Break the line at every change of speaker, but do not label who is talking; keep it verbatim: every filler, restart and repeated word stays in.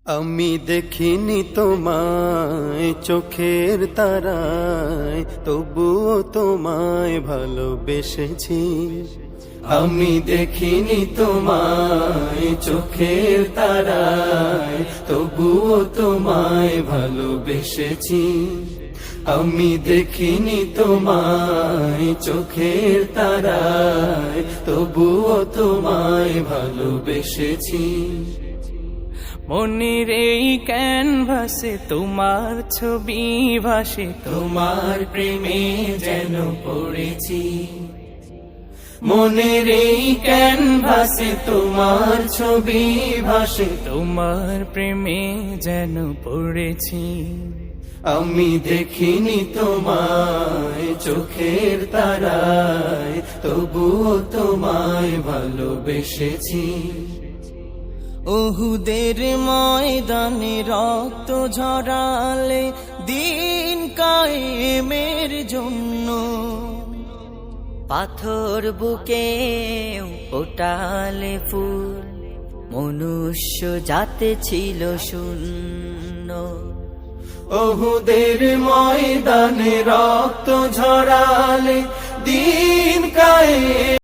আমি দেখিনি তোমায় চোখের তারায়, তবুও তোমায় ভালোবেসেছি। আমি দেখিনি তোমায় চোখের তারায়, তবুও তোমায় ভালোবেসেছি। আমি দেখিনি তোমায় চোখের তারায়, তবুও তোমায় ভালোবেসেছি।
মনের এই ক্যানভাসে তোমার ছবি ভাসে,
তোমার প্রেমে যেন পড়েছি। মনের এই ক্যানভাসে তোমার ছবি ভাসে,
তোমার প্রেমে যেন পড়েছি।
আমি দেখিনি তোমায় চোখের তারায়, তবুও তোমায় ভালোবেসেছি।
ওহুদের ময়দানে রক্ত ঝরালে দিন কায়েমের জন্য, পাথর বুকে ওটালে ফুল, মনুষ্য জাতে ছিল শূন্য।
ওহুদের ময়দানে রক্ত ঝরালে দিন কায়ে